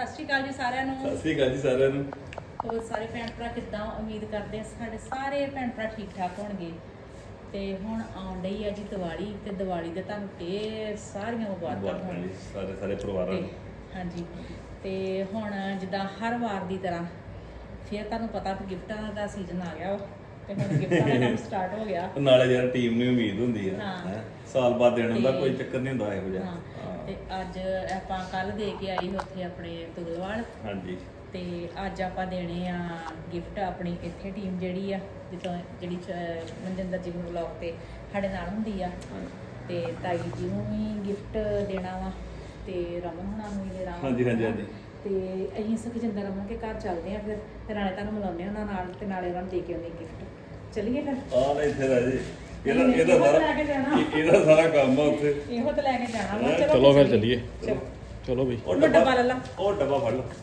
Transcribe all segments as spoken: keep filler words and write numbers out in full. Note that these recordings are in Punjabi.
ਸਤਿ ਸ਼੍ਰੀ ਅਕਾਲ ਜੀ ਸਾਰਿਆਂ ਨੂੰ। ਸਤਿ ਸ਼੍ਰੀ ਅਕਾਲ ਜੀ ਸਾਰਿਆਂ ਨੂੰ। ਹੋਰ ਸਾਰੇ ਭੈਣ ਭਰਾ ਕਿੱਦਾਂ? ਉਮੀਦ ਕਰਦੇ ਹਾਂ ਸਾਡੇ ਸਾਰੇ ਭੈਣ ਭਰਾ ਠੀਕ ਠਾਕ ਹੋਣਗੇ। ਤੇ ਹੁਣ ਆਉਣ ਡਈ ਆ ਜੀ ਦੀਵਾਲੀ, ਤੇ ਦੀਵਾਲੀ ਦੇ ਤੁਹਾਨੂੰ ਢੇਰ ਸਾਰੀਆਂ ਮੁਬਾਰਕਾਂ ਹੋਣ ਸਾਰੇ ਸਾਰੇ ਪਰਿਵਾਰਾਂ ਨੂੰ। ਹਾਂਜੀ, ਤੇ ਹੁਣ ਜਿੱਦਾਂ ਹਰ ਵਾਰ ਦੀ ਤਰ੍ਹਾਂ ਫਿਰ ਤੁਹਾਨੂੰ ਪਤਾ ਕਿ ਗਿਫਟਾਂ ਦਾ ਸੀਜ਼ਨ ਆ ਗਿਆ ਤੇ ਹੁਣ ਗਿਫਟਾਂ ਦਾ ਕੰਮ ਸਟਾਰਟ ਹੋ ਗਿਆ। ਨਾਲੇ ਯਾਰ ਟੀਮ ਨੂੰ ਉਮੀਦ ਹੁੰਦੀ ਆ ਹਾਂ। ਸਾਲ ਬਾਅਦ ਦੇਣ ਦਾ ਕੋਈ ਚੱਕਰ ਨਹੀਂ ਹੁੰਦਾ ਇਹੋ ਜਿਹਾ। ਤੇ ਅੱਜ ਆਪਾਂ ਕੱਲ ਦੇ ਕੇ ਆਈ ਉੱਥੇ ਆਪਣੇ ਤੁਗਲਵਾਲ। ਹਾਂਜੀ, ਤੇ ਅੱਜ ਆਪਾਂ ਦੇਣੇ ਆ ਗਿਫਟ ਆਪਣੀ ਇੱਥੇ ਟੀਮ ਜਿਹੜੀ ਆ ਜਿੱਥੋਂ ਜਿਹੜੀ ਮਨਜਿੰਦਰ ਜੀ ਨੂੰ ਬਲੌਗ ਤੇ ਸਾਡੇ ਨਾਲ ਹੁੰਦੀ ਆ, ਤੇ ਤਾਈ ਜੀ ਨੂੰ ਵੀ ਗਿਫਟ ਦੇਣਾ ਵਾ ਤੇ ਰਮਨ ਹੁਣਾਂ ਨੂੰ ਵੀ ਦੇਣਾ ਵਾ। ਹਾਂਜੀ ਹਾਂਜੀ ਹਾਂਜੀ। ਤੇ ਅਸੀਂ ਸੁਖਜਿੰਦਰ ਰਮਨ ਕੇ ਘਰ ਚੱਲਦੇ ਆ ਫਿਰ ਤੇ ਨਾਲੇ ਤੁਹਾਨੂੰ ਮਿਲਾਉਂਦੇ ਉਹਨਾਂ ਨਾਲ ਤੇ ਨਾਲੇ ਉਹਨਾਂ ਨੂੰ ਦੇ ਕੇ ਆਉਂਦੇ ਗਿਫਟ। ਚੱਲੀਏ ਫਿਰ। ਆ ਲੈ ਇੱਥੇ ਰਾਜੇ, ਇਹਦਾ ਨਹੀਂ, ਇਹਦਾ ਇਹੋ ਸਾਰਾ ਲੈ ਕੇ ਜਾਣਾ। ਇਹਦਾ ਸਾਰਾ ਕੰਮ ਆ ਉੱਥੇ। ਇਹੋ ਤਾਂ ਲੈ ਕੇ ਜਾਣਾ ਵਾ। ਚਲੋ ਫਿਰ ਚੱਲੀਏ। ਚਲੋ ਚਲੋ ਬਈ, ਉਹ ਉਹ ਡੱਬਾ ਲੈ ਲਾ। ਉਹ ਡੱਬਾ ਫੜ ਲਓ।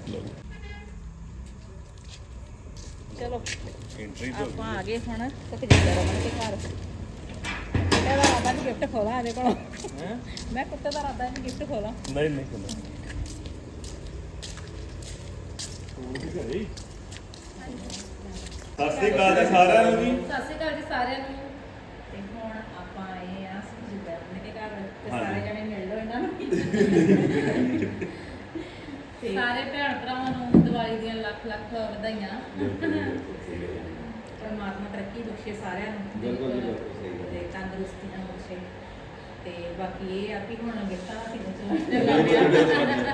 ਚਲੋ ਐਂਟਰੀ ਆਪਾਂ ਆ ਗਏ ਹੁਣ ਸੁਖਜਿੰਦਰ ਰਮਨ ਕੇ ਘਰ। ਕੁੱਤੇ ਦਾ ਰਾਦਾ ਨਹੀਂ ਗਿਫਟ ਖੋਲਾ ਇਹਦੇ ਕੋਲੋਂ। ਹੈ ਮੈਂ ਕੁੱਤੇ ਦਾ ਰਾਦਾ ਨਹੀਂ ਗਿਫਟ ਖੋਲਾ। ਨਹੀਂ ਨਹੀਂ ਖੁੱਲਾ ਸਤਿ ਸ਼੍ਰੀ ਅਕਾਲ ਜੀ ਸਾਰਿਆਂ ਨੂੰ ਜੀ। ਸਤਿ ਸ਼੍ਰੀ ਅਕਾਲ ਜੀ ਸਾਰਿਆਂ ਨੂੰ। ਤੇ ਹੁਣ ਆਪਾਂ ਆਏ ਆ ਸੁਖਜਿੰਦਰ ਰਮਨ ਕੇ ਘਰ ਤੇ ਹਾਂਜੀ। ਸਾਰੇ ਜਣੇ ਮਿਲ ਲਓ ਇਹਨਾਂ ਨੂੰ। ਤੇ ਸਾਰੇ ਭੈਣ ਭਰਾਵਾਂ ਨੂੰ ਦੀਵਾਲੀ ਦੀਆਂ ਲੱਖ ਲੱਖ ਵਧਾਈਆਂ। ਪਰਮਾਤਮਾ ਤਰੱਕੀ ਬਖਸ਼ੇ ਸਾਰਿਆਂ ਨੂੰ। ਬਿਲਕੁਲ ਜੀ, ਬਿਲਕੁਲ ਸਹੀ ਗੱਲ। ਤੇ ਤੰਦਰੁਸਤੀ ਨਾਲ ਬਖਸ਼ੇ। ਤੇ ਬਾਕੀ ਇਹ ਆ ਵੀ ਹੁਣ ਗਿਫਟਾਂ ਦਾ ਸੀਜ਼ਨ ਚੱਲਦਾ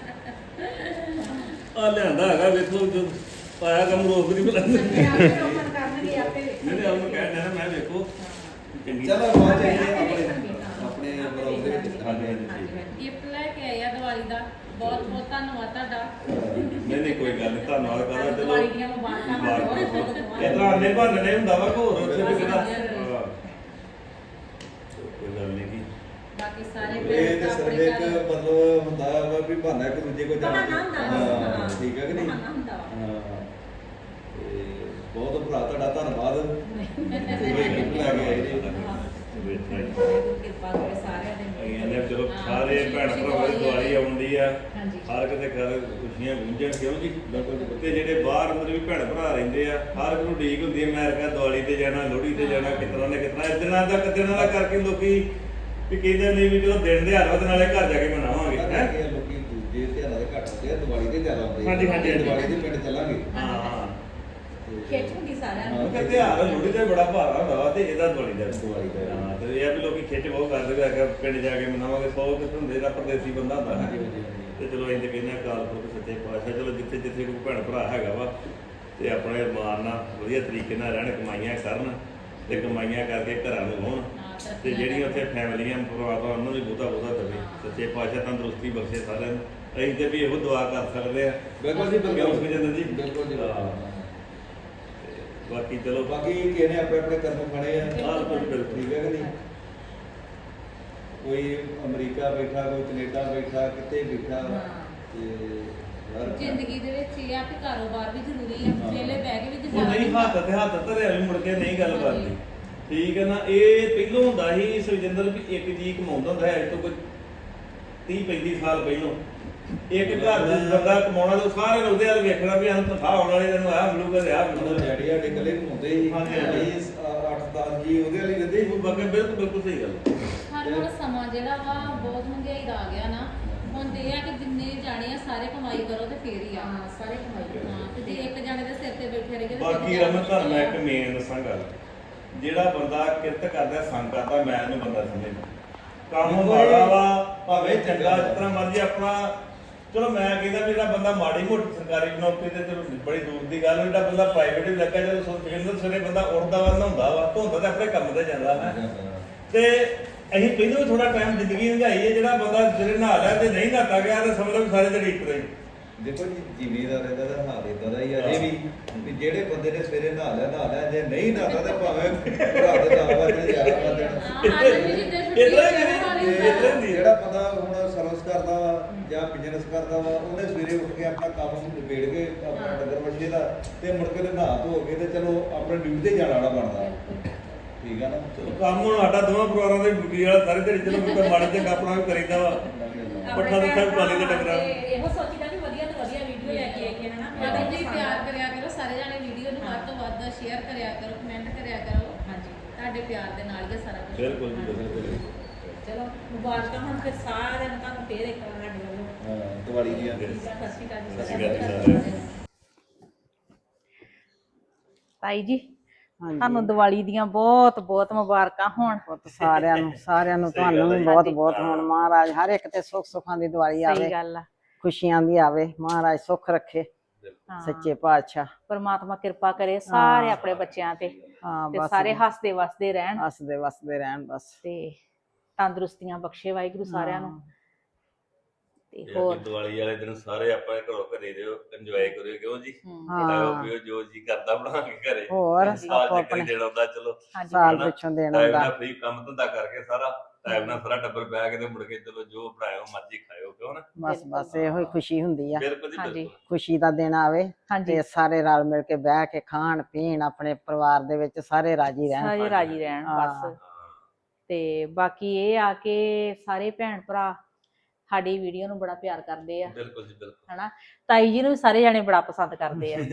ਆ ਲਿਆਂਦਾ ਹੈਗਾ, ਵੇਖੋ ਜੋ ਪਾਇਆ ਕੰਮ ਰੋਕ ਨਹੀਂ ਬੁਲਾਉਂਦੇ। ਪਿਆ ਆਪੇ ਰੋਕਣ ਕਰਨਗੇ ਆਪੇ ਨਹੀਂ ਨਹੀਂ ਉਹਨੂੰ ਕਹਿ ਦੇਣਾ ਮੈਂ ਵੇਖੋ ਚੰਗੀ ਚਲੋ ਬਹੁਤ ਆਪੇ- ਚੰਗੀ ਆਪੇ ਆਪਣੇ ਦੇਖਣਗੇ ਤਾਂ। ਆਪਣੇ ਆਪੇ ਬਲੌਗ ਦੇ ਵਿੱਚ ਦੇਖਣਗੇ। ਹਾਂਜੀ ਹਾਂਜੀ ਠੀਕ ਹੈ। ਗਿਫਟ ਲੈ ਕੇ ਆਏ ਆ ਦੀਵਾਲੀ ਦਾ। ਬਹੁਤ ਬਹੁਤ ਧੰਨਵਾਦ ਤੁਹਾਡਾ। ਨਹੀਂ ਨਹੀਂ ਕੋਈ ਗੱਲ ਨਹੀਂ, ਧੰਨਵਾਦ ਕਰਾਂ। ਚਲੋ ਦੀਵਾਲੀ ਦੀਆਂ ਮੁਬਾਰਕਾਂ ਬਹੁਤ ਬਹੁਤ ਇਹ ਤਰ੍ਹਾਂ ਆਨੇ ਬਹਾਨੇ ਹੁੰਦਾ ਵਾ ਹੋਰ ਉੱਥੇ ਵੀ ਕਿਹਦਾ ਕੋਈ ਗੱਲ ਨਹੀਂ ਕੀ ਬਾਕੀ ਸਾਰੇ ਇਹ ਤੇ ਭੈਣ ਸਿਰਫ ਆਪਣੇ ਇੱਕ ਘਰ ਮਤਲਬ ਹੁੰਦਾ ਵਾ ਵੀ ਬਹਾਨਾ ਇੱਕ ਦੂਜੇ ਕੋ ਜਾਣਾ। ਬਹਾਨਾ ਹੁੰਦਾ ਵਾ। ਹਾਂ, ਠੀਕ ਹੈ ਕਿ ਨਹੀਂ? ਬਹਾਨਾ ਹੁੰਦਾ ਵਾ। ਹਾਂ। ਤੇ ਬਹੁਤ ਭਰਾ ਤੁਹਾਡਾ ਧੰਨਵਾਦ। ਤੁਸੀਂ ਗਿਫਟ ਲੈ ਕੇ ਆਏ ਜੀ। ਕਿਰਪਾ ਕਰੇ ਸਾਰਿਆਂ ਦੇ। ਇਹਨੇ ਚਲੋ ਹਾਂ, ਸਾਰੇ ਖੁਸ਼ੀ- ਭੈਣ ਖੁਸ਼ੀ ਭਰਾਵਾਂ ਦੀ ਦੀਵਾਲੀ ਦੀਵਾਲੀ ਆਉਂਦੀ ਆ। ਹਾਂਜੀ। ਹਰ ਕਿਤੇ ਘਰ ਖੁਸ਼ੀਆਂ ਗੁੰਝਣ ਕਿਉਂ ਜੀ। ਤੇ ਜਿਹੜੇ ਬਾਹਰ ਅੰਦਰ ਵੀ ਭੈਣ ਭਰਾ ਰਹਿੰਦੇ ਆ, ਹਰ ਇੱਕ ਨੂੰ ਉਡੀਕ ਹੁੰਦੀ ਹੈ ਮੈਂ ਕਿਹਾ ਦੀਵਾਲੀ ਤੇ ਜਾਣਾ, ਲੋਹੜੀ ਤੇ ਜਾਣਾ, ਕਿਤਨਾ ਨੇ ਕਿਤਨਾ ਇਸ ਦਿਨਾਂ ਦਾ ਦਿਨਾਂ ਦਾ ਕਰਕੇ ਲੋਕੀ ਵੀ ਕਹਿੰਦੇ ਨਹੀਂ ਵੀ ਜਦੋਂ ਦਿਨ ਦੇ ਹਰ ਨਾਲੇ ਘਰ ਜਾ ਕੇ ਮਨਾਵਾਂਗੇ ਪਤਾ ਹੈ। ਕੀ ਆ, ਲੋਕੀ ਦੂਜੇ ਧਿਆਨਾਂ ਦੇ ਘੱਟ ਹੁੰਦੇ ਆ, ਦੀਵਾਲੀ ਤੇ ਜ਼ਿਆਦਾ ਹੁੰਦੇ ਆ। ਹਾਂਜੀ, ਹਾਂਜੀ, ਹਾਂਜੀ। ਦੀਵਾਲੀ ਦੇ ਪਿੰਡ ਚੱਲਾਂਗੇ। ਹਾਂ ਤੇ ਖਿੱਚ ਹੁੰਦੀ ਸਾਰਿਆਂ ਨੂੰ। ਉਹ ਕਹਿੰਦੇ ਆ ਲੋਹੜੀ ਤੇ ਬੜਾ ਭਾਰਾ ਹੁੰਦਾ ਵਾ ਤੇ ਇਹਦਾ ਦੀਵਾਲੀ ਦਾ ਦੀਵਾਲੀ ਦਾ। ਹਾਂ ਤੇ ਇਹ ਆ ਵੀ ਲੋਕੀ ਖਿੱਚ ਬਹੁਤ ਕਰਦੇ ਆ ਕਿ ਪਿੰਡ ਜਾ ਕੇ ਮਨਾਵਾਂਗੇ। ਸੌ ਕਿਤੇ ਹੁੰਦੇ ਦਾ ਪਰਦੇਸੀ ਬੰਦਾ ਹੁੰਦਾ ਹਾਂਜੀ, ਹੈ ਹਾਂਜੀ, ਹਾਂਜੀ। ਤੇ ਚਲੋ ਅਸੀਂ ਤੇ ਕਹਿੰਦੇ ਹਾਂ ਅਕਾਲ ਪੁਰਖ ਸੱਚੇ ਪਾਤਸ਼ਾਹ ਚਲੋ ਜਿੱਥੇ ਜਿੱਥੇ ਕੋਈ ਭੈਣ ਭਰਾ ਹੈਗਾ ਵਾ ਤੇ ਆਪਣੇ ਮਾਣ ਨਾਲ ਵਧੀਆ ਤਰੀਕੇ ਨਾਲ ਰਹਿਣ, ਕਮਾਈਆਂ ਕਰਨ ਤੇ ਕਮਾਈਆਂ ਕਰਕੇ ਘਰਾਂ ਨੂੰ ਆਉਣ। ਤੇ ਜਿਹੜੀਆਂ ਉੱਥੇ ਫੈਮਲੀਆਂ ਪਰਿਵਾਰ ਉਹਨਾਂ ਨੂੰ ਵੀ ਬਹੁਤਾ ਬਹੁਤਾ ਦੇਵੇ। ਸੱਚੇ ਪਾਤਸ਼ਾਹ ਤੰਦਰੁਸਤੀ ਬਖਸ਼ੇ ਸਾਰਿਆਂ ਨੂੰ। ਅਸੀਂ ਤੇ ਵੀ ਇਹੋ ਦੁਆ ਕਰ ਸਕਦੇ ਆ। ਬਿਲਕੁਲ ਜੀ, ਬਿਲਕੁਲ। ਸੁਖਜਿੰਦਰ ਜੀ ਬਿਲਕੁਲ ਜੀ, ਬਿਲਕੁਲ। ਹਾਂ। ਤੇ ਬਾਕੀ ਚਲੋ ਬਾਕੀ ਕਿਸੇ ਨੇ ਆਪਣੇ ਆਪਣੇ ਕਰਮ ਫੜੇ ਆ। ਆਹ ਬਿਲਕੁਲ ਠੀਕ ਹੈ ਕਿ ਨਹੀਂ? ਕੋਈ ਅਮਰੀਕਾ ਬੈਠਾ, ਕੋਈ ਕੈਨੇਡਾ ਬੈਠਾ, ਕਿਤੇ ਬੈਠਾ। ਹਾਂ। ਤੇ ਹਰ ਜ਼ਿੰਦਗੀ ਦੇ ਵਿੱਚ ਇਹ ਆ ਕਿ ਕਾਰੋਬਾਰ ਵੀ ਜ਼ਰੂਰੀ ਆ। ਹਾਂ। ਵਿਹਲੇ ਬਹਿ ਕੇ ਵੀ ਉਹ ਗੁਜ਼ਾਰਾ ਨਹੀਂ ਹੱਥ ਤੇ ਹੱਥ ਧਰਿਆ ਵੀ ਮੁੜ ਕੇ ਨਹੀਂ ਗੱਲ ਕਰਦੀ। ਠੀਕ ਹੈ ਨਾ। ਇਹ ਪਹਿਲੋਂ ਹੁੰਦਾ ਸੀ ਸੁਖਜਿੰਦਰ ਵੀ ਇੱਕ ਜੀ ਕਮਾਉਂਦਾ ਹੁੰਦਾ ਹੈ ਅੱਜ ਤੋਂ ਕੋਈ ਤੀਹ ਪੈਂਤੀ ਸਾਲ ਪਹਿਲੋਂ। ਇੱਕ ਘਰ ਦਾ ਬੰਦਾ ਕਮਾਉਣਾ ਤੇ ਸਾਰੇ ਨੇ ਉਹਦੇ ਵੱਲ ਵੇਖਣਾ ਵੀ ਸਾਨੂੰ ਤਨਖਾਹ ਆਉਣ ਵਾਲੀ ਤੈਨੂੰ ਆਹ ਮਿਲੂਗਾ ਤੇ ਆਹ ਉਹਨਾਂ ਮਿਲੂਗਾ। ਡੈਡੀ ਸਾਡੇ ਇਕੱਲੇ ਘੁੰਮਦੇ ਸੀ। ਹਾਂਜੀ, ਹਾਂਜੀ। ਅੱਠ ਦਸ ਜੀ ਉਹਦੇ ਵਾਲੀ ਰਹਿੰਦੇ ਸੀ। ਉਹ ਬਾਕੀ ਬਿਲਕੁਲ ਬਿਲਕੁਲ ਸਹੀ ਗੱਲ ਹੈ। ਹਰ ਹੁਣ ਸਮਾਂ ਜਿਹੜਾ ਵਾ ਬਹੁਤ ਮਹਿੰਗਾਈ ਦਾ ਆ ਗਿਆ ਨਾ। ਹੁਣ ਤੇ ਇਹ ਆ ਕਿ ਜਿੰਨੇ ਜਾਣੇ ਆ ਸਾਰੇ ਕਮਾਈ ਕਰੋ ਤੇ ਫੇਰ ਹੀ ਆ। ਹਾਂ, ਸਾਰੇ ਕਮਾਈ ਕਰਦੇ। ਹਾਂ, ਤੇ ਜੇ ਇੱਕ ਜਾਣੇ ਦੇ ਸਿਰ ਤੇ ਬੈਠੇ ਰਹੇਗੇ ਤੇ ਬਾਕੀ ਫਿਰ ਰਮਨ ਤੁਹਾਨੂੰ ਮੈਂ ਇੱਕ ਮੇਨ ਦੱਸਾਂ ਗੱਲ। ਜਿਹੜਾ ਬੰਦਾ ਕਿਰਤ ਕਰਦਾ ਸੰਗ ਕਰਦਾ ਮੈਂ ਇਹਨੂੰ ਬੰਦਾ ਸਮਝਦਾ। ਕੰਮ ਮਾੜਾ ਵਾ ਭਾਵੇਂ ਚੰਗਾ ਜਿਸ ਤਰ੍ਹਾਂ ਮਰਜ਼ੀ ਆਪਣਾ। ਚਲੋ ਮੈਂ ਕਹਿੰਦਾ ਵੀ ਜਿਹੜਾ ਬੰਦਾ ਮਾੜੀ ਮੋਟੀ ਸਰਕਾਰੀ ਨੌਕਰੀ ਤੇ ਚਲੋ ਬੜੀ ਦੂਰ ਦੀ ਗੱਲ। ਜਿਹੜਾ ਬੰਦਾ ਪ੍ਰਾਈਵੇਟ ਵੀ ਲੱਗਾ ਜਦੋਂ ਸੁਖਜਿੰਦਰ ਸਵੇਰੇ ਬੰਦਾ ਉੱਠਦਾ ਵਾ ਨਹਾਉਂਦਾ ਵਾ ਧੋਂਦਾ ਤੇ ਆਪਣੇ ਕੰਮ ਤੇ ਜਾਂਦਾ ਹੈ। ਤੇ ਅਸੀਂ ਪਹਿਲਾਂ ਵੀ ਥੋੜਾ ਟਾਈਮ ਜ਼ਿੰਦਗੀ ਲੰਘਾਈ ਹੈ। ਜਿਹੜਾ ਬੰਦਾ ਜਿਹੜੇ ਨਹਾ ਲਿਆ ਤੇ ਨਹੀਂ ਨਹਾਤਾ ਗਿਆ ਤੇ ਸਮਝ ਲਓ ਵੀ ਸਾਰੇ ਦਿਨ ਇੱਕ ਰਹੀ। ਦੇਖੋ ਜੀ ਜ਼ਿਮੀਦਾਰ ਇਹਦਾ ਤਾਂ ਹਾਲ ਇਦਾਂ ਦਾ ਹੀ ਆ ਅਜੇ ਵੀ ਵੀ ਜਿਹੜੇ ਬੰਦੇ ਨੇ ਸਵੇਰੇ ਨਹਾ ਲਿਆ ਨਹਾ ਲਿਆ, ਜੇ ਨਹੀਂ ਨਹਾਤਾ ਤੇ ਭਾਵੇਂ ਭਰਾ ਦੇ ਦਸ ਵਜੇ ਗਿਆਰਾਂ ਵਜੇ ਜਿਹੜਾ ਬੰਦਾ ਹੁਣ ਸਰਵਿਸ ਕਰਦਾ ਵਾ ਜਾਂ ਬਿਜ਼ਨਸ ਕਰਦਾ ਵਾ ਉਹਨੇ ਸਵੇਰੇ ਉੱਠ ਕੇ ਆਪਣਾ ਕੰਮ ਨਿਬੇੜ ਕੇ ਆਪਣਾ ਡੰਗਰ ਵੱਛੇ ਦਾ ਤੇ ਮੁੜ ਕੇ ਤੇ ਨਹਾ ਧੋ ਕੇ ਤੇ ਚਲੋ ਆਪਣੇ ਡਿਊਟੀ ਤੇ ਜਾਣ ਵਾਲਾ ਬਣਦਾ। ਠੀਕ ਆ ਨਾ? ਕੰਮ ਹੁਣ ਸਾਡਾ ਦੋਵਾਂ ਪਰਿਵਾਰਾਂ ਦੇ ਡਿਊਟੀ ਵਾਲਾ ਸਾਰੇ ਦਿਨ ਚਲੋ ਕੋਈ ਮਾੜਾ ਚੰਗਾ ਆਪਣਾ ਵੀ ਕਰੀਦਾ ਵਾ। ਪੱਠਾ ਦੁੱਖਾ ਵੀ ਪਾਲੀ ਦੇ ਟੱਕਰਾ। ਇਹੋ ਸੋਚੀਦਾ ਵੀ ਵਧੀਆ ਤੋਂ ਕਰਕੇ ਹਨਾ ਬਾਕੀ ਜੀ ਪਿਆਰ ਕਰਿਆ ਕਰੋ ਸਾਰੇ ਜਾਣੇ, ਵੀਡੀਓ ਨੂੰ ਵੱਧ ਤੋਂ ਵੱਧ ਸ਼ੇਅਰ ਕਰਿਆ ਕਰੋ, ਕਮੈਂਟ ਕਰਿਆ ਕਰੋ। ਹਾਂਜੀ ਤੁਹਾਡੇ ਪਿਆਰ ਦੇ ਨਾਲ ਹੀ ਆ ਸਾਰਾ ਕੁਝ। ਬਿਲਕੁਲ ਜੀ ਬਿਲਕੁਲ। ਚਲੋ ਮੁਬਾਰਕਾਂ ਹੁਣ ਫਿਰ ਸਾਰਿਆਂ ਨੂੰ, ਤੁਹਾਨੂੰ ਫੇਰ ਇੱਕ ਵਾਰ ਸਾਡੇ ਵੱਲੋਂ ਹਾਂ ਦੀਵਾਲੀ ਦੀਆਂ ਠੀਕ ਆ, ਸਤਿ ਸ਼੍ਰੀ ਅਕਾਲ ਜੀ। ਸਤਿ ਸ਼੍ਰੀ ਅਕਾਲ ਜੀ ਸਾਰਿਆਂ ਨੂੰ। ਤਾਈ ਜੀ ਹਾਂਜੀ ਤੁਹਾਨੂੰ ਦੀਵਾਲੀ ਦੀਆਂ ਬਹੁਤ ਬਹੁਤ ਮੁਬਾਰਕਾਂ ਹੋਣ। ਪੁੱਤ ਸਾਰਿਆਂ ਨੂੰ ਸਾਰਿਆਂ ਨੂੰ ਸਹੀ ਗੱਲ ਤੁਹਾਨੂੰ ਹੈ ਵੀ ਜੀ। ਬਹੁਤ ਬਹੁਤ ਹੋਣ। ਮਹਾਰਾਜ ਹਰ ਇੱਕ ਤੇ ਸੁੱਖ ਸੁੱਖਾਂ ਦੀ ਦੀਵਾਲੀ ਸਹੀ ਆਵੇ, ਗੱਲ ਆ। ਖੁਸ਼ੀਆਂ ਦੀ ਆਵੇ, ਮਹਾਰਾਜ ਸੁੱਖ ਰੱਖੇ ਹਾਂ, ਸੱਚੇ ਪਾਤਸ਼ਾਹ। ਪਰਮਾਤਮਾ ਕਿਰਪਾ ਕਰੇ ਸਾਰੇ ਆਪਣੇ ਬੱਚਿਆਂ ਤੇ ਹਾਂ ਤੇ ਬਸ ਸਾਰੇ ਹੱਸਦੇ ਵਸਦੇ ਰਹਿਣ ਹੱਸਦੇ ਵਸਦੇ ਰਹਿਣ ਬਸ। ਤੇ ਤੰਦਰੁਸਤੀਆਂ ਬਖਸ਼ੇ ਵਾਹਿਗੁਰੂ ਸਾਰਿਆਂ ਨੂੰ। ਤੇ ਇਹ ਹੋਰ ਕਿ ਦੀਵਾਲੀ ਵਾਲੇ ਦਿਨ ਸਾਰੇ ਆਪਾਂ ਘਰੋਂ ਘਰੇ ਦਿਓ, ਇੰਜੋਏ ਕਰਿਓ, ਕਿਉਂ ਜੀ? ਹਮ, ਹਾਂ। ਖਾਓ ਪੀਓ ਜੋ ਜੀ ਕਰਦਾ ਬਣਾ ਕੇ ਘਰੇ। ਹੋਰ ਸਾਲ ਆਪੋ ਚ ਆਪਣੇ ਕਰੀ ਦੇਣਾ ਹੁੰਦਾ, ਚਲੋ ਹਾਂਜੀ ਸਾਲ ਹਨਾ? ਪਿੱਛੋਂ ਦੇਣਾ ਟਾਈਮ ਹੁੰਦਾ। ਨਾਲ ਫ੍ਰੀ ਕੰਮ ਧੰਦਾ ਕਰਕੇ ਸਾਰਾ ਟਾਈਮ ਨਾਲ ਸਾਰਾ ਟੱਬਰ ਬਹਿ ਕੇ ਤੇ ਮੁੜ ਕੇ ਚਲੋ ਜੋ ਬਣਾਇਓ ਮਰਜ਼ੀ ਖਾਇਓ, ਕਿਉਂ ਨਾ? ਬਸ ਬਸ ਇਹੋ ਹੀ ਖੁਸ਼ੀ ਹੁੰਦੀ ਆ, ਬਿਲਕੁਲ ਜੀ ਹਾਂਜੀ। ਬਿਲਕੁਲ। ਖੁਸ਼ੀ ਦਾ ਦਿਨ ਆਵੇ ਹਾਂਜੀ ਤੇ ਸਾਰੇ ਰਲ ਮਿਲ ਕੇ ਬਹਿ ਕੇ ਖਾਣ ਪੀਣ, ਆਪਣੇ ਪਰਿਵਾਰ ਦੇ ਵਿੱਚ ਸਾਰੇ ਰਾਜੀ ਰਹਿਣ। ਸਾਰੇ ਰਾਜੀ ਰਹਿਣ ਹਾਂ। ਬਸ। ਤੇ ਬਾਕੀ ਇਹ ਆ ਕਿ ਸਾਰੇ ਭੈਣ ਭਰਾ ਸਾਡੀ ਵੀਡੀਓ ਨੂੰ ਬੜਾ ਪਿਆਰ ਕਰਦੇ ਆ ਬਿਲਕੁਲ ਜੀ ਬਿਲਕੁਲ। ਹਨਾ। ਤਾਈ ਜੀ ਨੂੰ ਵੀ ਸਾਰੇ ਜਾਣੇ ਬੜਾ ਪਸੰਦ ਕਰਦੇ ਆ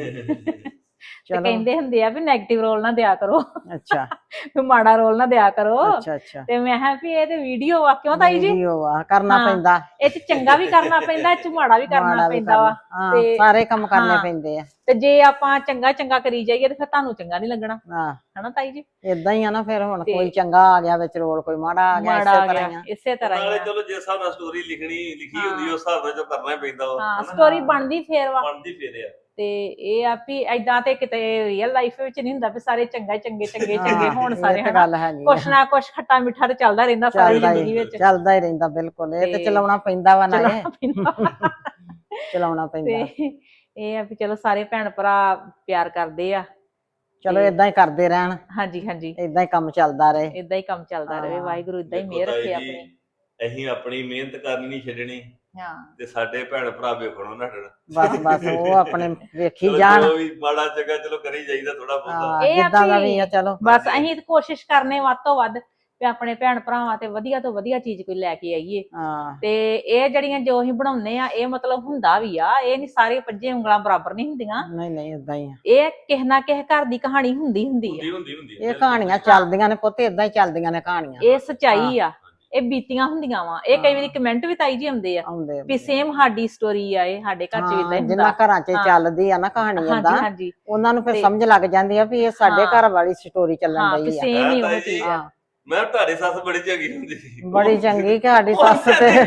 ਤੇ ਚਲੋ ਕਹਿੰਦੇ ਹੁੰਦੇ ਆ ਵੀ ਨੈਗੇਟਿਵ ਰੋਲ ਨਾ ਦਿਆ ਕਰੋ, ਅੱਛਾ ਵੀ ਮਾੜਾ ਰੋਲ ਨਾ ਦਿਆ ਕਰੋ। ਅੱਛਾ ਅੱਛਾ ਤੇ ਮੈਂ ਕਿਹਾ ਵੀ ਇਹ ਤੇ ਵੀਡੀਓ ਆ, ਕਿਉਂ ਤਾਈ ਜੀ? ਵੀਡੀਓ ਆ, ਕਰਨਾ ਹਾਂ। ਪੈਂਦਾ, ਇਹ ਚ ਚੰਗਾ ਵੀ ਕਰਨਾ ਪੈਂਦਾ, ਇਹ ਚ ਮਾੜਾ ਵੀ ਕਰਨਾ ਮਾੜਾ ਵੀ ਪੈਂਦਾ ਵਾ। ਹਾਂ ਤੇ ਸਾਰੇ ਕੰਮ ਕਰਨੇ ਹਾਂ। ਪੈਂਦੇ ਆ। ਤੇ ਜੇ ਆਪਾਂ ਚੰਗਾ ਚੰਗਾ ਕਰੀ ਜਾਈਏ ਤੇ ਫਿਰ ਤੁਹਾਨੂੰ ਚੰਗਾ ਨਹੀਂ ਲੱਗਣਾ, ਹਾਂ ਹਨਾ ਤਾਈ ਜੀ? ਇਦਾਂ ਹੀ ਆ ਨਾ ਫਿਰ। ਹੁਣ ਤੇ ਕੋਈ ਚੰਗਾ ਆ ਗਿਆ ਵਿੱਚ ਰੋਲ, ਕੋਈ ਮਾੜਾ ਆ ਗਿਆ, ਮਾੜਾ ਇਸੇ ਆ ਤਰ੍ਹਾਂ ਹੀ ਗਿਆ ਆ। ਇਸੇ ਤਰ੍ਹਾਂ ਹੀ ਨਾਲੇ ਆ। ਚਲੋ ਜਿਸ ਹਿਸਾਬ ਨਾਲ ਸਟੋਰੀ ਲਿਖਣੀ ਲਿਖੀ ਹੁੰਦੀ ਹਾਂ। ਉਸ ਹਿਸਾਬ ਨਾਲ ਜੋ ਕਰਨਾ ਹੀ ਪੈਂਦਾ ਵਾ, ਹਾਂ ਹਨਾ? ਸਟੋਰੀ ਬਣਦੀ ਫੇਰ ਵਾ। ਬਣਦੀ ਫੇਰ ਆ। ਤੇ ਇਹ ਆ ਵੀ ਏਦਾਂ ਤੇ ਕਿਤੇ ਰੀਅਲ ਲਾਈਫ ਵਿੱਚ ਨਹੀਂ ਹੁੰਦਾ ਵੀ ਸਾਰੇ ਚੰਗਾ ਚੰਗੇ ਚੰਗੇ ਚੰਗੇ ਹਾਂ, ਹੋਣ ਇਹ ਸਾਰੇ, ਤੇ ਹਨਾ? ਗੱਲ ਹੈਗੀ ਕੁਛ ਆ। ਨਾ ਕੁਛ ਖੱਟਾ ਮਿੱਠਾ ਤੇ ਚੱਲਦਾ ਰਹਿੰਦਾ ਸਾਰੀ ਚੱਲਦਾ ਜ਼ਿੰਦਗੀ ਹੀ ਵਿੱਚ। ਚੱਲਦਾ ਹੀ ਰਹਿੰਦਾ, ਬਿਲਕੁਲ। ਇਹ ਤੇ ਤੇ ਚਲਾਉਣਾ ਪੈਂਦਾ ਵਾ ਨਾ, ਇਹ ਚਲਾਉਣਾ ਪੈਂਦਾ। ਚਲਾਉਣਾ ਪੈਂਦਾ। ਤੇ ਇਹ ਆ ਵੀ ਚਲੋ ਸਾਰੇ ਭੈਣ ਭਰਾ ਪਿਆਰ ਕਰਦੇ ਆ। ਚਲੋ ਇਦਾਂ ਹੀ ਕਰਦੇ ਰਹਿਣ, ਹਾਂਜੀ ਹਾਂਜੀ, ਇਦਾਂ ਹੀ ਕੰਮ ਚੱਲਦਾ ਰਹੇ। ਇਦਾਂ ਹੀ ਕੰਮ ਚੱਲਦਾ ਰਹੇ। ਹਾਂ। ਵਾਹਿਗੁਰੂ ਇਦਾਂ ਹੀ ਦੇਖੋ ਮਿਹਰ ਤਾਈ ਰੱਖੇ ਜੀ, ਆਪਣੀ। ਅਸੀਂ ਆਪਣੀ ਮਿਹਨਤ ਕਰਨੀ ਨਹੀਂ ਛੱਡਣੀ ਹਾਂ ਤੇ ਸਾਡੇ ਭੈਣ ਭਰਾ ਵੇਖਣੋਂ ਨਾ ਹਟਣ। ਬਸ ਬਸ ਉਹ ਆਪਣੇ ਵੇਖੀ ਚਲੋ ਜਾਣ। ਜੋ ਵੀ ਮਾੜਾ ਚੰਗਾ ਚਲੋ ਕਰੀ ਜਾਈਦਾ ਥੋੜਾ ਬਹੁਤਾ। ਹਾਂ, ਇਹ ਆ ਜਿੱਦਾਂ ਦਾ ਵੀ ਵੀ ਆ ਚਲੋ। ਬਸ ਅਸੀਂ ਤਾਂ ਕੋਸ਼ਿਸ਼ ਕਰਨੇ ਵੱਧ ਤੋਂ ਵੱਧ ਵੀ ਆਪਣੇ ਭੈਣ ਭਰਾਵਾਂ ਤੇ ਵਧੀਆ ਤੋਂ ਵਧੀਆ ਚੀਜ਼ ਕੋਈ ਲੈ ਕੇ ਆਈਏ। ਹਾਂ ਤੇ ਇਹ ਜਿਹੜੀਆਂ ਜੋ ਅਸੀਂ ਬਣਾਉਂਦੇ ਆ, ਇਹ ਮਤਲਬ ਹੁੰਦਾ ਵੀ ਆ, ਇਹ ਨਹੀਂ ਸਾਰੇ ਪੰਜੇ ਉਂਗਲਾਂ ਬਰਾਬਰ ਨਹੀਂ ਹੁੰਦੀਆਂ। ਨਹੀਂ ਨਹੀਂ ਇਦਾਂ ਹੀ ਆ। ਇਹ ਕਿਸੇ ਨਾ ਕਿਸੇ ਘਰ ਦੀ ਕਹਾਣੀ ਹੁੰਦੀ ਹੁੰਦੀ ਹੁੰਦੀ ਆ। ਹੁੰਦੀ ਹੁੰਦੀ ਇਹ ਕਹਾਣੀਆਂ ਚੱਲਦੀਆਂ ਨੇ ਪੁੱਤ, ਇਦਾਂ ਹੀ ਚੱਲਦੀਆਂ ਨੇ ਕਹਾਣੀਆਂ। ਇਹ ਸਚਾਈ ਆ, ਇਹ ਬੀਤੀਆਂ ਹੁੰਦੀਆਂ ਵਾ। ਇਹ ਕਈ ਵਾਰੀ ਕਮੈਂਟ ਵੀ ਤਾਈ ਜੀ ਆਉਂਦੇ ਆ ਆਉਂਦੇ ਆ। ਵੀ ਸੇਮ ਸਾਡੀ ਸਟੋਰੀ ਆ, ਇਹ ਸਾਡੇ ਘਰ ਚ ਵੀ ਇਦਾਂ ਹੀ ਜਿੰਨਾ ਹੁੰਦਾ। ਘਰਾਂ 'ਚ ਹਾਂ। ਚੱਲਦੀ ਆ ਨਾ ਕਹਾਣੀ ਹਾਂਜੀ ਏਦਾਂ, ਹਾਂਜੀ, ਉਹਨਾਂ ਨੂੰ ਫਿਰ ਤੇ- ਸਮਝ ਲੱਗ ਜਾਂਦੀ ਆ ਵੀ ਇਹ ਸਾਡੇ ਹਾਂ। ਘਰ ਵਾਲੀ ਸਟੋਰੀ ਚੱਲਣ ਹਾਂ ਵੀ ਡਈ ਆ। ਸੇਮ ਹੀ ਉਹ ਤਾਈ ਜੀ, ਚੀਜ਼ ਆ। ਹਾਂ ਮੈਂ ਤੁਹਾਡੀ ਸੱਸ ਬੜੀ ਚੰਗੀ ਹੁੰਦੀ ਸੀ। ਬੜੀ ਚੰਗੀ ਕਿ ਸਾਡੀ ਸੱਸ ਤੇ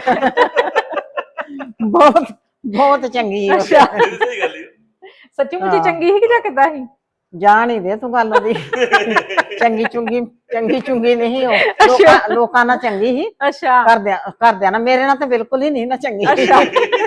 ਬਹੁਤ ਬਹੁਤ ਚੰਗੀ ਆ। ਅੱਛਾ। ਸਹੀ ਗੱਲ ਹੀ। ਸੱਚੀ ਮੁੱਚੀ ਹਾਂ। ਚੰਗੀ ਸੀ ਕਿ ਜਾਂ ਕਿੱਦਾਂ ਸੀ? ਜਾਣ ਹੀ ਦੇ ਤੂੰ ਗੱਲ ਉਹਦੀ। ਚੰਗੀ ਚੁੰਗੀ ਚੰਗੀ ਚੁੰਗੀ ਨਹੀਂ ਉਹ, ਲੋਕਾਂ ਲੋਕਾਂ ਨਾਲ ਚੰਗੀ ਸੀ, ਅੱਛਾ ਘਰਦਿਆਂ ਘਰਦਿਆਂ ਨਾਲ। ਮੇਰੇ ਨਾਲ ਤਾਂ ਬਿਲਕੁਲ ਹੀ ਨਹੀਂ ਨਾ ਚੰਗੀ। ਅੱਛਾ।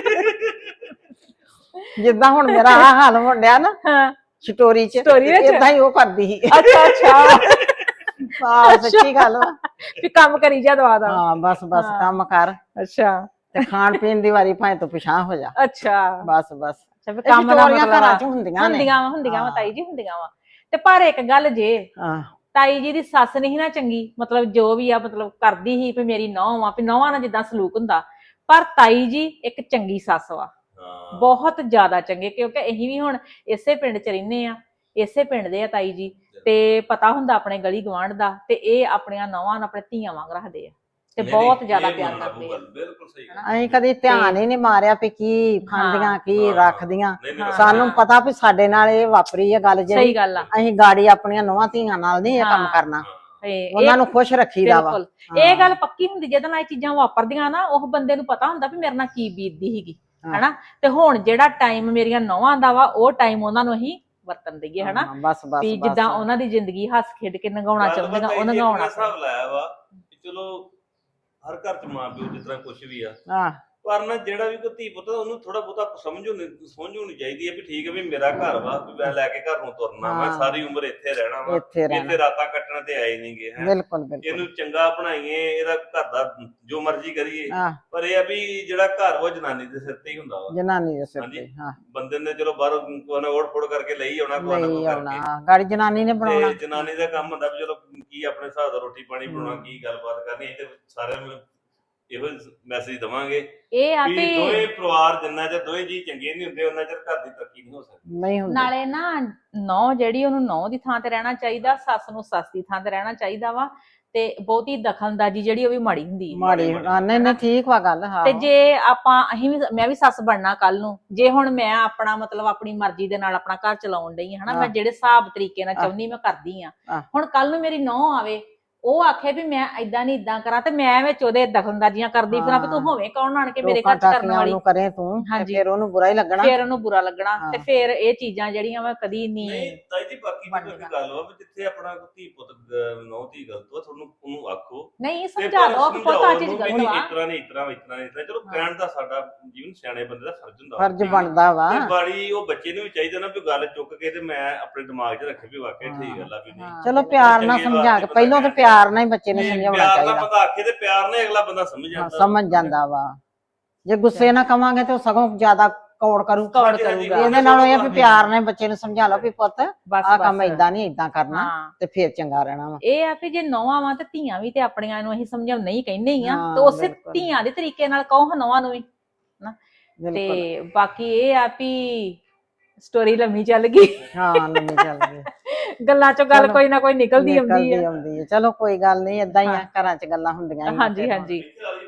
ਜਿੱਦਾਂ ਹੁਣ ਮੇਰਾ ਆਹ ਹਾਲ ਹੋਣ ਡਿਆ ਨਾ ਹਾਂ ਸਟੋਰੀ 'ਚ, Story ਵਿੱਚ? ਏਦਾਂ ਹੀ ਉਹ ਕਰਦੀ ਸੀ। ਅੱਛਾ ਅੱਛਾ, ਹਾਂ ਸੱਚੀ ਗੱਲ ਵਾ। ਵੀ ਕੰਮ ਕਰੀ ਜਾ ਦਵਾ ਦਾ। ਹਾਂ ਬਸ ਬਸ ਹਾਂ। ਕੰਮ ਕਰ ਅੱਛਾ ਤੇ ਖਾਣ ਪੀਣ ਦੀ ਵਾਰੀ ਭਾਵੇਂ ਤੂੰ ਪਿਛਾਂ ਹੋ ਜਾ। ਅੱਛਾ ਬਸ ਬਸ ਅੱਛਾ, ਵੀ ਇਹ ਕੰਮ ਦਾ ਸਟੋਰੀਆਂ ਮਤਲਬ ਘਰਾਂ ਆ। 'ਚ ਹੁੰਦੀਆਂ ਨੇ। ਹੁੰਦੀਆਂ ਵਾ ਹੁੰਦੀਆਂ ਵਾ ਹਾਂ। ਤਾਈ ਜੀ, ਹੁੰਦੀਆਂ ਵਾ। ਤੇ ਪਰ ਇੱਕ ਗੱਲ ਜੇ, ਹਾਂ ਤਾਈ ਜੀ ਦੀ ਸੱਸ ਨਹੀਂ ਨਾ ਚੰਗੀ, ਮਤਲਬ ਜੋ ਵੀ ਆ ਮਤਲਬ ਕਰਦੀ ਸੀ ਵੀ ਮੇਰੀ ਨੌਂ ਆ, ਵੀ ਨੌਵਾਂ ਨਾਲ ਜਿੱਦਾਂ ਸਲੂਕ ਹੁੰਦਾ, ਪਰ ਤਾਈ ਜੀ ਇੱਕ ਚੰਗੀ ਸੱਸ ਵਾ, ਹਾਂ। ਬਹੁਤ ਜ਼ਿਆਦਾ ਚੰਗੇ। ਕਿਉਂਕਿ ਅਸੀਂ ਵੀ ਹੁਣ ਇਸੇ ਪਿੰਡ 'ਚ ਰਹਿੰਦੇ ਆ, ਇਸੇ ਪਿੰਡ ਦੇ ਆ ਤਾਈ ਜੀ, ਤੇ ਪਤਾ ਹੁੰਦਾ ਆਪਣੇ ਗਲੀ ਗਵਾਂਢ ਦਾ। ਤੇ ਇਹ ਆਪਣੀਆਂ ਨੌਵਾਂ ਨੂੰ ਆਪਣੇ ਧੀਆਂ ਵਾਂਗ ਰੱਖਦੇ ਆ ਤੇ ਨਹੀਂ, ਬਹੁਤ ਨਹੀਂ, ਜ਼ਿਆਦਾ ਇਹ ਪਿਆਰ ਮੰਨਣਾ ਕਰਦੇ ਆ। ਪਊਗਾ, ਬਿਲਕੁਲ ਸਹੀ ਗੱਲ। ਅਸੀਂ ਕਦੀ ਧਿਆਨ ਹੀ ਨਹੀਂ ਮਾਰਿਆ ਵੀ ਕੀ ਖਾਂਦੀਆਂ ਕੀ ਹਾਂ। ਰੱਖਦੀਆਂ। ਨਹੀਂ, ਨਹੀਂ, ਸਾਨੂੰ ਹਾਂ। ਪਤਾ ਵੀ ਸਾਡੇ ਨਾਲ ਇਹ ਵਾਪਰੀ ਹੈ ਗੱਲ ਸਹੀ ਜਿਹੜੀ। ਗੱਲ ਆ। ਅਸੀਂ ਗਾੜੀ ਆਪਣੀਆਂ ਨੌਵਾਂ ਧੀਆਂ ਨਾਲ ਨਹੀਂ ਇਹ ਕੰਮ ਹਾਂ। ਕਰਨਾ। ਤੇ ਉਹਨਾਂ ਇਹ ਨੂੰ ਖੁਸ਼ ਰੱਖੀਦਾ ਵਾ। ਬਿਲਕੁਲ ਇਹ ਗੱਲ ਪੱਕੀ ਹੁੰਦੀ, ਜਿਹਦੇ ਨਾਲ ਇਹ ਚੀਜ਼ਾਂ ਵਾਪਰਦੀਆਂ ਨਾ, ਉਹ ਬੰਦੇ ਨੂੰ ਪਤਾ ਹੁੰਦਾ ਵੀ ਮੇਰੇ ਨਾਲ ਕੀ ਬੀਤਦੀ ਸੀਗੀ, ਹਾਂ। ਹਨਾ? ਤੇ ਹੁਣ ਜਿਹੜਾ ਟਾਈਮ ਮੇਰੀਆਂ ਨੌਵਾਂ ਦਾ ਵਾ, ਉਹ ਟਾਈਮ ਉਹਨਾਂ ਨੂੰ ਅਸੀਂ ਵਰਤਨ ਦਈਏ, ਹਨਾ? ਹਾਂ, ਬਸ ਬਸ ਵੀ ਬਸ। ਜਿੱਦਾਂ ਉਹਨਾਂ ਦੀ ਜ਼ਿੰਦਗੀ ਹੱਸ ਖੇਡ ਕੇ ਲੰਘਾਉਣਾ ਗੱਲ ਚਾਹੁੰਦੀਆਂ, ਪਤਾ ਉਹ ਇਹ ਇੱਕ ਲੰਘਾਉਣਾ। ਮੈਂ ਹਿਸਾਬ ਲਾਇਆ ਵਾ ਕਿ ਚਲੋ ਹਰ ਘਰ ਚ ਮਾਂ ਪਿਓ ਜਿਸ ਤਰ੍ਹਾਂ ਕੁਛ ਵੀ ਆ, ਹਾਂ ਪਰ ਨਾ ਜਿਹੜਾ ਵੀ ਕੋਈ ਧੀ ਪੁੱਤ ਆ, ਉਹਨੂੰ ਥੋੜਾ ਬਹੁਤਾ ਸਮਝ ਹੋਣੀ ਸਮਝ ਹੋਣੀ ਚਾਹੀਦੀ ਹੈ ਵੀ ਠੀਕ ਹੈ ਵੀ ਮੇਰਾ ਘਰ ਵਾ, ਵੀ ਮੈਂ ਲੈ ਕੇ ਘਰ ਨੂੰ ਤੁਰਨਾ, ਮੈਂ ਹਾਂ। ਸਾਰੀ ਉਮਰ ਇੱਥੇ ਰਹਿਣਾ ਵਾ, ਇੱਥੇ ਰਹਿਣਾ। ਇੱਥੇ ਰਾਤਾਂ ਕੱਟਣ ਤੇ ਆਏ ਨਹੀਂਗੇ ਹੈ। ਬਿਲਕੁਲ ਬਿਲਕੁਲ। ਇਹਨੂੰ ਚੰਗਾ ਬਣਾਈਏ, ਇਹਦਾ ਘਰ ਦਾ ਜੋ ਮਰਜ਼ੀ ਕਰੀਏ, ਹਾਂ ਪਰ ਇਹ ਆ ਵੀ ਜਿਹੜਾ ਘਰ ਉਹ ਜਨਾਨੀ ਦੇ ਸਿਰ ਤੇ ਹੀ ਹੁੰਦਾ ਵਾ। ਜਨਾਨੀ ਦੇ ਸਿਰ ਹਾਂਜੀ। ਤੇ। ਹਾਂ ਬੰਦੇ ਨੇ ਚਲੋ ਬਾਹਰ ਕੋਨਾ ਓੜ ਫੋੜ ਕਰਕੇ ਲਈ ਆਉਣਾ, ਕੋਨਾ ਨਹੀਂ ਕੋ ਆਉਣਾ, ਕਰਕੇ, ਗਾੜੀ ਜਨਾਨੀ ਨੇ ਬਣਾਉਣਾ। ਤੇ ਜਨਾਨੀ ਦਾ ਕੰਮ ਹੁੰਦਾ ਵੀ ਚਲੋ ਕੀ ਆਪਣੇ ਹਿਸਾਬ ਦਾ ਰੋਟੀ ਪਾਣੀ ਬਣਾਉਣਾ, ਕੀ ਗੱਲਬਾਤ ਕਰਨੀ। ਤੇ ਸਾਰਿਆਂ ਨੂੰ ਇਹੋ ਮੈਸੇਜ ਦਵਾਂਗੇ ਇਹ ਆ ਵੀ ਵੀ ਦੋਵੇਂ ਪਰਿਵਾਰ ਜਿੰਨਾ ਚਿਰ ਦੋਵੇਂ ਜੀ ਚੰਗੇ ਨਹੀਂ ਹੁੰਦੇ ਉਹਨਾਂ ਚਿਰ ਘਰ ਦੀ ਤਰੱਕੀ ਨਹੀਂ ਹੋ ਸਕਦੀ। ਨਹੀਂ ਹੁੰਦੀ। ਨਾਲੇ ਨਾ ਨੌ ਜਿਹੜੀ ਉਹਨੂੰ ਨੌ ਦੀ ਥਾਂ ਤੇ ਰਹਿਣਾ ਚਾਹੀਦਾ, ਸੱਸ ਨੂੰ ਸੱਸ ਦੀ ਥਾਂ ਤੇ ਰਹਿਣਾ ਚਾਹੀਦਾ ਵਾ, ਤੇ ਬਹੁਤੀ ਦਖਲਅੰਦਾਜ਼ੀ ਜਿਹੜੀ ਉਹ ਵੀ ਮਾੜੀ ਹੁੰਦੀ ਹੈ। ਮਾੜੀ ਹਾਂ, ਨਹੀਂ ਨਹੀਂ ਠੀਕ ਵਾ ਗੱਲ। ਹਾਂ ਤੇ ਜੇ ਆਪਾਂ ਅਸੀਂ ਵੀ ਮੈਂ ਵੀ ਸੱਸ ਬਣਨਾ ਕੱਲ ਨੂੰ, ਜੇ ਹੁਣ ਮੈਂ ਆਪਣਾ ਮਤਲਬ ਆਪਣੀ ਮਰਜ਼ੀ ਦੇ ਨਾਲ ਆਪਣਾ ਘਰ ਚਲਾਉਣ ਡਈ ਹਾਂ ਹਨਾ, ਮੈਂ ਜਿਹੜੇ ਹਿਸਾਬ ਤਰੀਕੇ ਨਾਲ ਚਾਹੁੰਦੀ ਮੈਂ ਕਰਦੀ ਆ। ਆਹ। ਹੁਣ ਕੱਲ ਨੂੰ ਮੇਰੀ ਨੌਂ ਆਵੇ, ਉਹ ਆਖੇ ਵੀ ਮੈਂ ਏਦਾਂ ਨਹੀਂ ਏਦਾਂ ਕਰਾਂ, ਤੇ ਮੈਂ ਵਿੱਚ ਉਹਦੇ ਦਖਲਅੰਦਾਜ਼ੀਆਂ ਕਰਦੀ ਫਿਰਾਂ ਵੀ ਤੂੰ ਹੋਵੇਂ ਕੌਣ ਆਣ ਕੇ ਮੇਰੇ ਘਰ ਚ ਕਰਨ ਵਾਲੀ ਨੂੰ ਕਰੇ ਤੂੰ, ਤੇ ਹਾਂਜੀ। ਫਿਰ ਉਹਨੂੰ ਬੁਰਾ ਹੀ ਲੱਗਣਾ। ਫੇਰ ਉਹਨੂੰ ਬੁਰਾ ਲੱਗਣਾ, ਹਾਂ। ਤੇ ਫੇਰ ਇਹ ਚੀਜ਼ਾਂ ਜਿਹੜੀਆਂ ਮੈਂ ਕਦੀ ਨਹੀਂ ਨਹੀਂ ਤਾਈ ਜੀ ਬਾਕੀ ਬਣ ਜਿਹੜੀ ਜਾਣਾ। ਗੱਲ ਵਾ ਵੀ ਜਿੱਥੇ ਆਪਣਾ ਧੀ ਪੁੱਤ ਨੌ ਧੀ ਗਲਤ ਵਾ ਤੁਹਾਨੂੰ ਉਹਨੂੰ ਆਖੋ ਨਹੀਂ ਤੇ ਸਮਝਾ ਪਰ ਦੋ ਕਿ ਪੁੱਤ ਆ ਚੀਜ਼ ਸਮਝਾਓ ਗਲਤ ਉਹਨੂੰ ਵੀ ਵਾ। ਇਸ ਤਰ੍ਹਾਂ ਨਹੀਂ ਇਸ ਤਰ੍ਹਾਂ ਇਸ ਤਰ੍ਹਾਂ ਇਸ ਤਰ੍ਹਾਂ ਚਲੋ ਹਾਂ। ਕਹਿਣ ਦਾ ਸਾਡਾ ਜੀਵਨ ਸਿਆਣੇ ਬੰਦੇ ਦਾ ਫਰਜ਼ ਹੁੰਦਾ ਵਾ। ਫਰਜ਼ ਬਣਦਾ ਵਾ। ਤੇ ਬਾੜੀ ਉਹ ਬੱਚੇ ਨੂੰ ਵੀ ਚਾਹੀਦਾ ਨਾ ਵੀ ਗੱਲ ਚੁੱਕ ਕੇ ਤੇ ਮੈਂ ਆਪਣੇ ਦਿਮਾਗ 'ਚ ਰੱਖੇ ਵੀ ਵਾਕਿਆ ਠੀਕ ਗੱਲ ਆ ਵੀ ਨਹੀਂ। ਹਾਂ। ਚਲੋ ਪਿਆਰ ਨਾਲ ਚੰਗੇ ਸਮਝਾ ਕੇ, ਵਾਸਤੇ ਪਹਿਲਾਂ ਤੇ ਪਿਆਰ ਨਾਲ ਹੀ ਬੱਚੇ ਨੂੰ ਜੇ ਸਮਝਾਉਣਾ ਪਿਆਰ ਨਾਲ ਚਾਹੀਦਾ। ਬੰਦਾ ਆਖੇ ਤੇ ਪਿਆਰ ਨਾਲ ਅਗਲਾ ਬੰਦਾ ਸਮਝ ਹਾਂ, ਜਾਂਦਾ। ਸਮਝ ਜਾਂਦਾ ਵਾ। ਜੇ ਗੁੱਸੇ ਨਾਲ ਕਵਾਂਗੇ ਤੇ ਉਹ ਸਗੋਂ ਜ਼ਿਆਦਾ ਕੌੜ ਕਰੂ। ਕੌੜ ਹਾਂਜੀ, ਹਾਂਜੀ, ਕਰੂਗਾ। ਇਹਦੇ ਨਾਲੋਂ ਇਹ ਆ ਵੀ ਪਿਆਰ ਨਾਲ ਬੱਚੇ ਨੂੰ ਸਮਝਾ ਲਓ ਵੀ ਪੁੱਤ ਬਸ ਆਹ ਕੰਮ ਬਸ। ਏਦਾਂ ਨਹੀਂ ਏਦਾਂ ਕਰਨਾ, ਹਾਂ। ਤੇ ਫਿਰ ਚੰਗਾ ਰਹਿਣਾ ਵਾ। ਇਹ ਆ ਵੀ ਜੇ ਨੌਵਾਂ ਵਾਂ ਤੇ ਧੀਆਂ ਵੀ ਤੇ ਆਪਣੀਆਂ ਨੂੰ ਅਸੀਂ ਸਮਝਾਉਣਾ ਹੀ ਕਹਿੰਦੇ ਹੀ ਆ, ਹਾਂ, ਤੇ ਉਸੇ ਬਿਲਕੁਲ। ਧੀਆਂ ਦੇ ਤਰੀਕੇ ਨਾਲ ਕਹੋ ਨੌਵਾਂ ਨੂੰ ਵੀ। ਬਿਲਕੁਲ। ਤੇ ਬਾਕੀ ਇਹ ਆ ਵੀ ਸਟੋਰੀ ਲੰਮੀ ਚੱਲ ਗਈ, ਹਾਂ ਲੰਮੀ ਚੱਲ ਗਈ। ਗੱਲਾਂ ਚੋਂ ਗੱਲ ਚਲੋ, ਕੋਈ ਨਾ ਕੋਈ ਨਿਕਲਦੀ ਆਉਂਦੀ ਨਿਕਲਦੀ ਆ। ਆਉਂਦੀ ਹੈ। ਚਲੋ ਕੋਈ ਗੱਲ ਨਹੀਂ, ਏਦਾਂ ਹੀ ਆ, ਹਾਂ। ਘਰਾਂ 'ਚ ਗੱਲਾਂ ਹੁੰਦੀਆਂ ਹੀ ਆ ਹਾਂਜੀ ਫਿਰ। ਹਾਂਜੀ।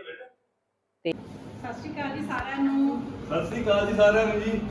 ਸਤਿ ਸ਼੍ਰੀ ਅਕਾਲ ਜੀ ਸਾਰਿਆਂ ਨੂੰ। ਸਤਿ ਸ੍ਰੀ ਅਕਾਲ ਜੀ ਸਾਰਿਆਂ ਨੂੰ ਜੀ।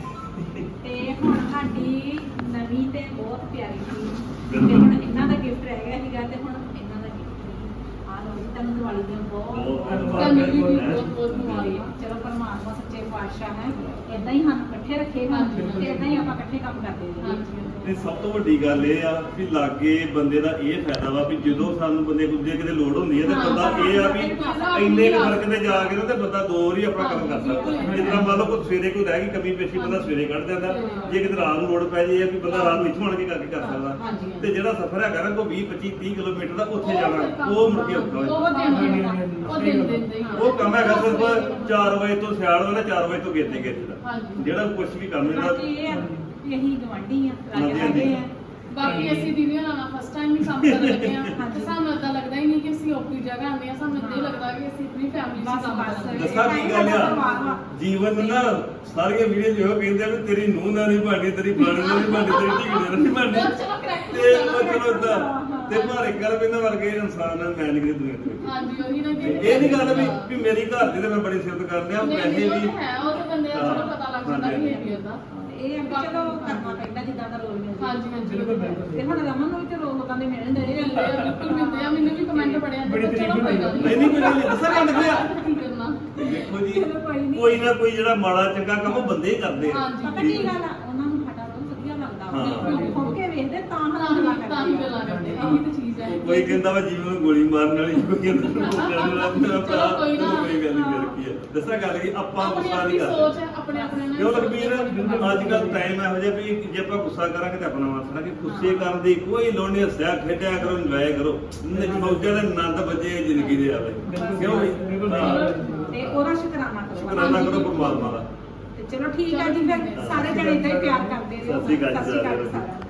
ਤੇ ਹੁਣ ਸਾਡੀ ਨਵੀਂ ਤੇ ਬਹੁਤ ਪਿਆਰੀ ਸੀ, ਤੇ ਹੁਣ ਇਹਨਾਂ ਦਾ ਗਿਫਟ ਰਹਿ ਗਿਆ ਸੀਗਾ, ਤੇ ਹੁਣ ਇਹਨਾਂ ਦਾ ਗਿਫਟ ਆ ਲਓ ਜੀ, ਤੁਹਾਨੂੰ ਦੀਵਾਲੀ ਦੀਆਂ ਬਹੁਤ ਬਹੁਤ ਬਹੁਤ ਧੰਨਵਾਦ ਵੀ ਬਹੁਤ ਬਹੁਤ ਬਹੁਤ ਮੁਬਾਰਕਾਂ। ਚਲੋ ਪਰਮਾਤਮਾ ਸੱਚੇ ਪਾਤਸ਼ਾਹ ਹੈ, ਇਦਾਂ ਹੀ ਸਾਨੂੰ ਇਕੱਠੇ ਰੱਖੇਗਾ, ਤੇ ਇਦਾਂ ਹੀ ਆਪਾਂ ਇਕੱਠੇ ਕੰਮ ਕਰਦੇ ਰਹੀਏ। ਤੇ ਸਭ ਤੋਂ ਵੱਡੀ ਗੱਲ ਇਹ ਆ ਵੀ ਲਾਗੇ ਬੰਦੇ ਦਾ ਇਹ ਫਾਇਦਾ ਵਾ ਵੀ ਜਦੋਂ ਸਾਨੂੰ ਬੰਦੇ ਨੂੰ ਜੇ ਕਿਤੇ ਲੋੜ ਹੁੰਦੀ ਹੈ ਤੇ ਬੰਦਾ ਇਹ ਆ ਵੀ ਇੰਨੇ ਕੁ ਫਰਕ ਤੇ ਜਾ ਕੇ ਨਾ ਤੇ ਬੰਦਾ ਦੋ ਵਾਰੀ ਆਪਣਾ ਕੰਮ ਕਰ ਸਕਦਾ। ਜਿੱਦਾਂ ਮੰਨ ਲਓ ਕੋਈ ਸਵੇਰੇ ਕੋਈ ਰਹਿ ਗਈ ਕਮੀ ਪੇਸ਼ੀ ਬੰਦਾ ਸਵੇਰੇ ਕੱਢ ਜਾਂਦਾ, ਜੇ ਕਿਤੇ ਰਾਤ ਨੂੰ ਲੋੜ ਪੈ ਜੇ ਵੀ ਬੰਦਾ ਰਾਤ ਨੂੰ ਇੱਥੋਂ ਆਣ ਕੇ ਕਰਕੇ ਕਰ ਸਕਦਾ। ਤੇ ਜਿਹੜਾ ਸਫ਼ਰ ਹੈਗਾ ਨਾ ਕੋਈ ਵੀਹ ਪੱਚੀ ਤੀਹ ਕਿਲੋਮੀਟਰ ਦਾ ਉੱਥੇ ਜਾਣਾ ਉਹ ਮੁੜ ਕੇ ਔਖਾ ਹੋ ਜਾਂਦਾ। ਉਹ ਦਿਨ ਦਿਨ ਦੇ ਉਹ ਕੰਮ ਹੈਗਾ ਸਿਰਫ ਚਾਰ ਵਜੇ ਤੋਂ ਸਿਆਲ ਵਾਲਾ ਚਾਰ ਵਜੇ ਤੋਂ ਗੇਤੇ ਗੇਤੇ ਦਾ ਜਿਹੜਾ ਕੁਝ ਵੀ ਕੰਮ ਇਹਦਾ। ਬਾਕੀ ਇਹ ਆ ਵੀ ਅਸੀਂ ਗਵਾਂਢੀ ਆ, ਹਾਂਜੀ, ਲਾਗੇ ਲਾਗੇ ਆ। ਬਾਕੀ ਅਸੀਂ ਦੀਦੀਆਂ ਨਾਲ ਫਸਟ ਟਾਈਮ ਹੀ ਕੰਮ ਕਰਨ ਲੱਗੇ ਆ, ਤੇ ਸਾਨੂੰ ਏਦਾਂ ਲੱਗਦਾ ਹੀ ਨਹੀਂ ਕਿ ਅਸੀਂ ਆਪਣੀ ਜਗ੍ਹਾ ਆਉਂਦੇ ਆ, ਸਾਨੂੰ ਏਦਾਂ ਹੀ ਲੱਗਦਾ ਕਿ ਅਸੀਂ ਆਪਣੀ ਫੈਮਿਲੀ 'ਚ ਬਸ ਕੰਮ ਬਸ। ਕਰਦੇ ਦੱਸਾਂ ਕੀ ਗੱਲ ਆ ਜੀਵਨ ਨਾ ਸਾਰੀਆਂ ਵੀਡੀਓ ਜਿਹੋ ਕਹਿੰਦੇ ਆ ਵੀ ਤੇਰੀ ਨੂੰਹ ਨਾਲ ਨਹੀਂ ਬਣਨੀ, ਤੇਰੀ ਫਲਾਣੇ ਨਾਲ ਨਹੀਂ ਬਣਨੀ, ਤੇਰੀ ਢੀਂਗੇ ਨਾਲ ਨਹੀਂ ਬਣਨੀ। ਤੇ ਉਹ ਚਲੋ ਏਦਾਂ ਤੇ ਪਰ ਇੱਕ ਗੱਲ ਇਹਨਾਂ ਵਰਗੇ ਇਨਸਾਨ ਨਾਲ ਮੈਂ ਨਹੀਂ ਕਿਤੇ ਦੁਨੀਆ ਦੇ ਵਿੱਚ। ਹਾਂਜੀ ਉਹੀ ਨਾ ਕਿ ਇਹ ਨਹੀਂ ਗੱਲ ਵੀ ਵੀ ਮੇਰੀ ਘਰ ਦੀ ਤੇ ਮੈਂ ਬੜੀ ਸਿਫਤ ਕਰਦੇ ਆ ਵੈਸੇ ਨਹੀਂ, ਉਹ ਵੀ ਤਾਂ ਹੈ, ਉਹ ਤਾਂ ਬੰਦੇ ਦਾ ਥੋੜਾ ਪਤਾ ਲੱਗ ਜਾਂਦਾ ਹਾਂਜੀ, ਬਿਹੇਵੀਅਰ ਦਾ। ਇਹ ਆ ਵੀ ਚਲੋ ਕਰਨਾ ਪੈਂਦਾ ਜਿੱਦਾਂ ਦਾ ਰੋਲ ਮਿਲਦਾ। ਹਾਂਜੀ ਹਾਂਜੀ ਤੇ ਹੁਣ ਰਮਨ ਨੂੰ ਵੀ ਤੇ ਰੋਲ ਲੋਕਾਂ ਦੇ ਮਿਲਣ ਦੇ ਰਹੇ ਆ। ਬਿਲਕੁਲ ਮਿਲਦੇ ਆ, ਮੈਨੂੰ ਵੀ ਕਮੈਂਟ ਪੜਿਆ ਤੇ ਚਲੋ ਕੋਈ ਗੱਲ ਨਹੀਂ ਨਹੀਂ ਕੋਈ ਗੱਲ ਨਹੀਂ ਦੱਸਾਂ ਗੱਲ ਕੀ ਆ ਕੀ ਕਰਨਾ। ਦੇਖੋ ਜੀ ਚਲੋ ਕੋਈ ਨੀ। ਕੋਈ ਨਾ ਕੋਈ ਜਿਹੜਾ ਮਾੜਾ ਚੰਗਾ ਕੰਮ ਉਹ ਬੰਦੇ ਹੀ ਕਰਦੇ ਆ। ਹਾਂਜੀ। ਪਤਾ ਕੀ ਗੱਲ ਆ, ਉਹਨਾਂ ਨੂੰ ਸਾਡਾ ਰੋਲ ਵਧੀਆ ਲੱਗਦਾ ਵਾ। ਹਾਂ। ਉਹ ਖੁਦ ਕੇ ਵੇਖਦੇ ਤਾਂ ਤਾਂ ਹੱਥ ਲਾ ਹੀ ਤਾਂ ਹੀ ਗੱਲਾਂ ਕਰਦੇ ਆ, ਇਹੀ ਤਾਂ ਚੀਜ਼ ਹੈ। ਕੋਈ ਕਹਿੰਦਾ ਵਾ ਜੀਵਨ ਨੂੰ ਗੋਲੀ ਮਾਰਨ ਵਾਲੀ, ਕੋਈ ਕਹਿੰਦਾ ਨੂੰ ਕਰਨ ਵਾਲਾ। ਮੇਰਾ ਭਰਾ ਚਲੋ ਕੋਈ ਨਾ। ਕੋਈ ਗੱਲ ਨਹੀਂ ਫਿਰ ਕੀ ਆ ਦੱਸਾਂ ਗੱਲ ਕੀ ਆਪਾਂ ਆਪਣੀ ਗੁੱਸਾ ਆਪਣੀ ਨਹੀਂ ਸੋਚ ਕਰਦੇ ਹੈ, ਆਪਣੇ ਆਪਣੇ ਨਾਲ ਕਿਉਂ ਲਖਬੀਰ ਅੱਜ ਕੱਲ ਟਾਈਮ ਇਹੋ ਜਿਹਾ ਵੀ ਜੇ ਆਪਾਂ ਗੁੱਸਾ ਕਰਾਂਗੇ ਤਾਂ ਆਪਣਾ ਵਾਸਣਾ ਕਿ ਗੁੱਸੇ ਕਰਨ ਦੀ ਕੋਈ ਲੋੜ ਨਹੀਂ। ਹੱਸਿਆ ਖੇਡਿਆ ਕਰੋ, ਇੰਜੋਏ ਕਰੋ, ਮੌਜਾਂ ਦੇ ਆਨੰਦ ਵਜੇ ਜ਼ਿੰਦਗੀ ਦੇ ਆਵੇ। ਕਿਉਂ ਬਈ? ਹਾਂ। ਤੇ ਉਹਦਾ ਸ਼ੁਕਰਾਨਾ ਕਰੋ। ਸ਼ੁਕਰਾਨਾ ਕਰੋ ਪਰਮਾਤਮਾ ਦਾ। ਤੇ ਚਲੋ ਠੀਕ ਆ ਜੀ, ਫਿਰ ਸਾਰੇ ਜਣੇ ਇਦਾਂ ਹੀ ਪਿਆਰ ਕਰਦੇ ਰਹੋ। ਸਤਿ ਸ਼੍ਰੀ ਅਕਾਲ ਜੀ ਸਤਿ ਸ਼੍ਰੀ ਅਕਾਲ ਸਾਰਿਆਂ ਨੂੰ। ਸਾਰਿਆਂ ਨੂੰ।